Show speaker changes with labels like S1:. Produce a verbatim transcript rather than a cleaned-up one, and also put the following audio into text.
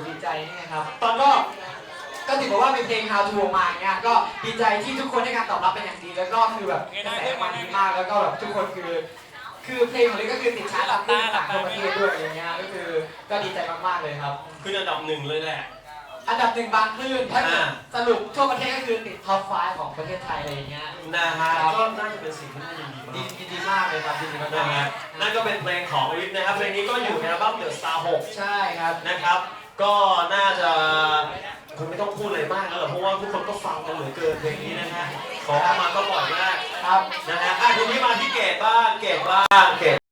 S1: ดีใจนี่นะครับตอนก็ก็ถือว่าเป็นเพลง How to มาอย่างเงี้ยก็ดีใจที่ทุกคนให้การตอบรับเป็นอย่างดีแล้วก็คือแบบกระแสมันดีมากแล้วก็แบบทุกคนคือคือเพลงของลิก็คือติดชาร์ตตามที่ต่างๆทั่วประเทศด้วยอย่างเงี้ยก็คือก็ดีใจมากๆเลยครับ
S2: คืออันดับหนึ่งเลยแหละ
S1: อันดับหนึ่งบางคลื่นถ้าสรุปทั่วประเทศก็คือติดท็อปไฟว์ของประเทศไทยอะไรอย่างเงี้ย
S2: นะฮะก็น่าจะเป็นสิ่งที่น่ายินดีมาก
S1: ดีดีมากเลยครับดีมาก
S2: นะฮะนั่นก็เป็นเพลงของวิทย์นะครับเพลงนี้ก็อยู่ในอัลบั้ม The Star หก
S1: ใช่ครับ
S2: นะครับก็น่าจะคงไม่ต้องพูดอะไรมากแล้วหรอกเพราะว่าทุกคนก็ฟังกันเหลือเกินเพลงนี้นะฮะขอเข้ามาก็บ่อยมาก
S1: ครับ
S2: นะฮะอ่ะทีนี้มาที่เกดบ้างเกดบ้างเกด